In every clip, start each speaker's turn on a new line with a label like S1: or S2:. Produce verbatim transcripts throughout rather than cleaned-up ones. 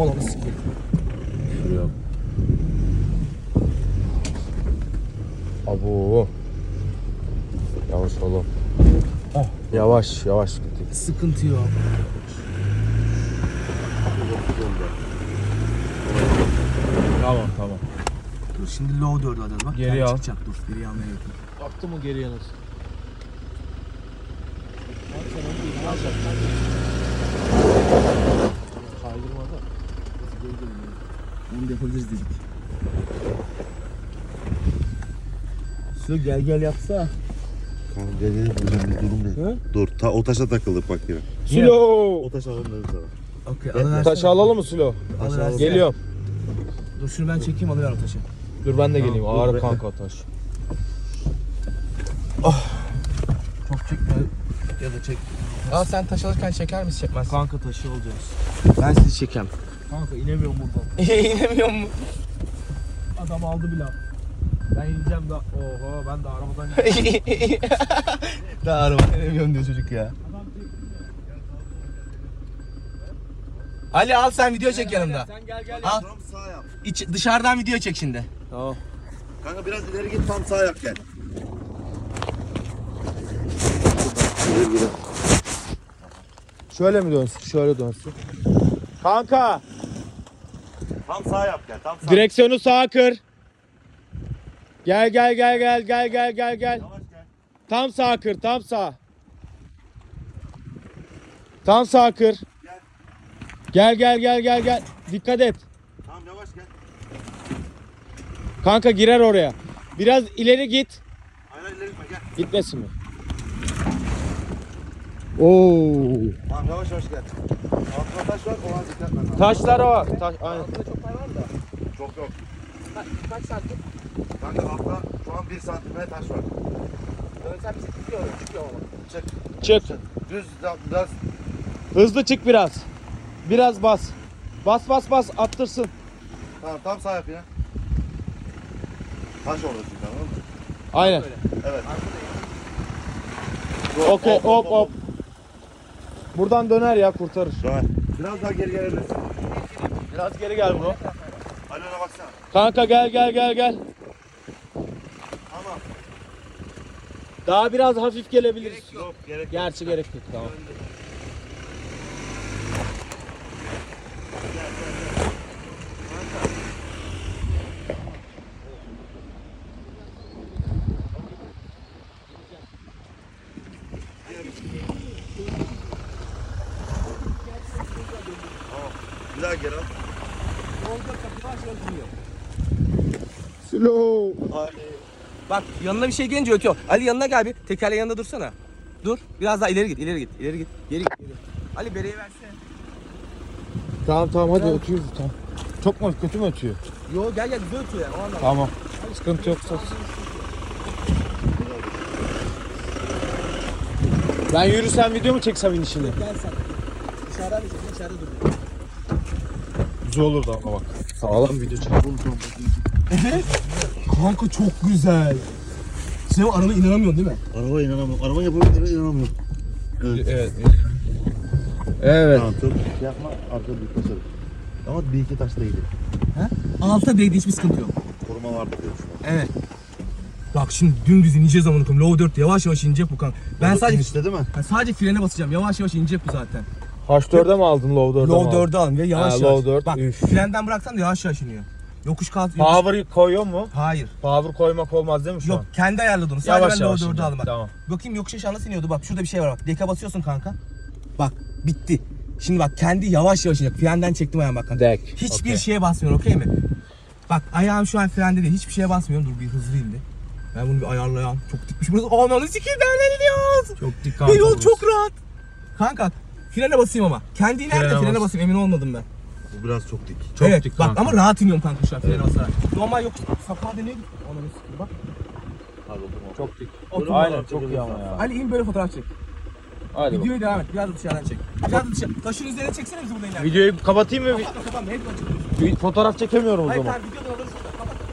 S1: Ananı sikeyim.
S2: Şuraya. Abo. Yavaş oğlum.
S1: Oh.
S2: Yavaş yavaş gittik.
S1: Sıkıntı yok.
S2: Tamam tamam.
S1: Dur şimdi low dördü alalım bak.
S2: Geri
S1: Geri
S2: al.
S1: çıkacak dur. Geri almaya yakın.
S2: Baktı mı geriye nasıl? Kaydırmadı.
S1: Onu da yapabiliriz dedik. Su gel gel yapsa.
S3: Kanka gel gel hocam bir durum değil.
S1: Hı?
S3: Dur ta, o taşa takıldık bak yine.
S2: Silo.
S3: O taş alalım dedim sana.
S1: Okey
S3: Gel,
S1: alıversene.
S2: Taşı alalım mı Silo?
S1: Alıversene.
S2: Geliyorum.
S1: Dur şunu ben çekeyim alıver o taşı.
S2: Dur ben de geleyim.
S3: Tamam, dur,
S2: Ağır
S3: bekle.
S2: kanka taş.
S1: Çok çekme ya da çek. Aa sen taş alırken çeker misin çekmez?
S2: Kanka taşı alacağız.
S1: Ben sizi çekeyim.
S2: Kanka inemiyorum buradan.
S1: İnemiyor mu?
S2: Adam aldı bile. Ben ineceğim da. Oho ben de arabadan ineceğim.
S1: Daha araba inemiyorum diyor çocuk ya. Ali al sen video çek yanımda.
S2: Sen gel gel.
S1: Al.
S3: Tam sağ yap.
S1: İç, dışarıdan video çek şimdi.
S2: Tamam.
S3: Kanka biraz ileri git tam sağ yap gel. Gel gel.
S2: Şöyle mi dönsün? Şöyle dönsün. Kanka
S3: Tam sağ yap gel. Tam sağ.
S2: direksiyonu sağa kır. Gel gel gel gel gel gel gel gel.
S3: Yavaş gel.
S2: Tam sağa kır, tam sağ. Tam sağa kır. Gel gel gel gel gel. Dikkat et.
S3: Tamam yavaş gel.
S2: Kanka girer oraya. Biraz ileri git.
S3: Aynen ileri gitme gel.
S2: Gitmesin mi? Oo.
S3: Tamam yavaş yavaş gel. Altına taş var ona dikkat etmen lazım.
S2: Taşlar var. Taş, aynen.
S1: Altında çok pay var da.
S3: Çok yok.
S1: Kaç, kaç santim?
S3: Kanka altta şu an bir santimetre taş var.
S1: Dönsem bizi tutuyor, çıkıyor ama.
S3: Çık.
S2: Çık.
S3: Düz yap, biraz.
S2: Hızlı çık biraz. Biraz bas. Bas bas bas attırsın.
S3: Tamam tam sağ yap yine. Taş orada çünkü anladın mı?
S2: Aynen.
S3: Evet.
S2: Okey hop hop. Buradan döner ya kurtarır.
S3: Dön. Biraz daha geri gelebilirsin.
S2: Biraz geri gel bro.
S3: Ali ona baksana.
S2: Kanka gel gel gel gel.
S3: Tamam.
S2: Daha biraz hafif gelebiliriz.
S3: Yok gerek yok.
S2: Gerçi gerek yok tamam.
S3: Bir daha geri al.
S2: Slow.
S3: Ali.
S1: Bak yanına bir şey gelince ötüyor. Ali yanına gel bir. Tekerle yanında dursana. Dur. Biraz daha ileri git, ileri git, ileri git. Geri git. Geri. Ali bereyi versene.
S2: Tamam tamam hadi ötüyoruz tamam. Çok mu kötü mü ötüyor?
S1: Yo gel gel güzel ötüyor yani o anlamda.
S2: Tamam. Sıkıntı yoksa. Ben yürüsem video mu çeksem inişini?
S1: Gel sen. Dışarıdan geçelim, içeride dur.
S2: Güzel olurdu ama bak. Sağlam video çekelim.
S1: Evet. Kanka çok güzel. Sen o arana inanamıyorsun değil mi?
S3: Araba inanamıyorum. Araba yapabildiğine inanamıyorum. Evet.
S2: Evet. Evet.
S3: Tamam çok şey yapma. Arkada büyük taşarım. Ama bir iki taş da iyiydi.
S1: Alta değdi hiçbir sıkıntı yok.
S3: Koruma vardı diye düşünüyorum.
S1: Evet. Bak şimdi dümdüz ineceğiz amına koyayım. Low dört yavaş yavaş inecek bu kan. Ben sadece
S3: istedi mi?
S1: ben sadece frene basacağım. Yavaş yavaş inecek bu zaten.
S2: H dörde mi aldın Low dörde mi
S1: Low
S2: aldın?
S1: dördü alın ve yavaş
S2: Ha,
S1: yavaş.
S2: low dört,
S1: Bak
S2: üf.
S1: frenden bıraksan da yavaş yavaş iniyor. Yokuş kalk. yokuş-
S2: Power koyuyor mu?
S1: Hayır.
S2: Power koymak olmaz değil mi şu
S1: Yok
S2: an?
S1: kendi ayarladı onu. Sadece
S2: Yavaş
S1: ben
S2: yavaş
S1: low dördü
S2: ineceğim.
S1: aldım bak.
S2: Tamam.
S1: Bakayım yokuş aşağı nasıl iniyordu bak. Şurada bir şey var bak. Deka basıyorsun kanka. Bak bitti. Şimdi bak kendi yavaş yavaş inecek. Frenden çektim ayağımı bak kanka.
S2: Dek.
S1: Hiçbir
S2: Okey.
S1: şeye basmıyorum okey mi? Bak ayağım şu an frende değil. Hiçbir şeye basmıyorum. Dur bir hızlı indi. Ben bunu bir ayarlayayım. Çok dikmiş burası. Ananı sikeyim nereden iniyoruz?
S2: Çok dikkat
S1: Ve yol çok rahat. Kanka frene basayım ama. Kendi iner de
S2: Frene
S1: frene
S2: bas.
S1: basayım emin olmadım ben.
S3: Bu biraz çok dik.
S2: Çok
S1: evet
S2: dik
S1: bak
S2: kanka.
S1: ama rahat iniyorum kanka şu an frene basarak. Normal yok. Sakağa dönüyor. Ananı sikeyim bak.
S2: Çok dik.
S1: Otur.
S2: Aynen çok iyi ama ya.
S1: Ali in böyle fotoğraf çek.
S2: Hadi bak.
S1: Videoya devam et. Biraz da dışarıdan çek. Biraz da dışarı. Taşın üzerine çeksene bizi burada inerken.
S2: Videoyu kapatayım mı?
S1: Kapat kapat. Hep açık.
S2: Bir fotoğraf çekemiyorum o
S1: Hayır
S2: zaman.
S1: tamam videodan alırız şurada. Kapat.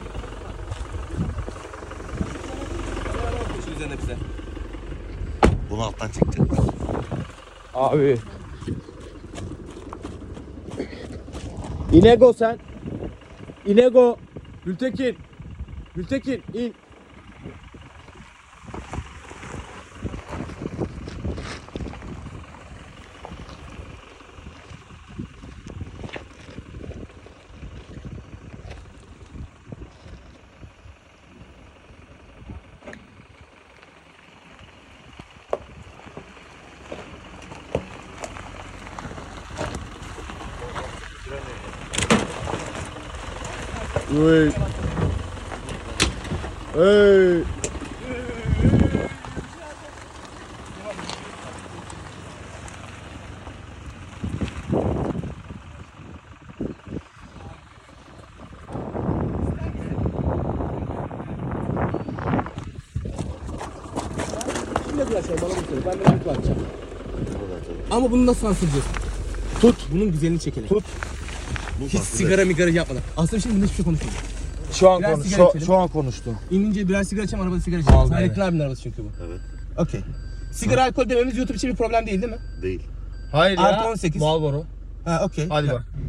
S1: Taşın üzerine bize.
S3: Bunu alttan çekeceğim.
S2: Abi. İnego sen. İnego. Gültekin. Gültekin in. Hey. Hey.
S1: Şimdi arkadaşlar bana bunu söyle. Ben de bir bakacağım. Ama bunu nasıl sansürleyeceğiz?
S2: Tut.
S1: Bunun güzelini çekelim.
S2: Tut.
S1: Hiç sigara migara yapmadan. Aslında şimdi hiçbir şey konuşmayalım.
S2: Şu an
S1: Biraz
S2: konuş.
S1: sigara
S2: Şu,
S1: içelim.
S2: şu an konuştu.
S1: İnince birer sigara içeceğim, arabada sigara içeceğim.
S2: Vallahi.
S1: Hayrettin abinin arabası çünkü bu.
S3: Evet.
S1: Okey. Sigara, alkol dememiz YouTube için bir problem değil değil mi?
S3: Değil.
S2: Hayır
S1: Artı on sekiz.
S2: Marlboro.
S1: Ha okey.
S2: Hadi
S1: Ha.
S2: bak.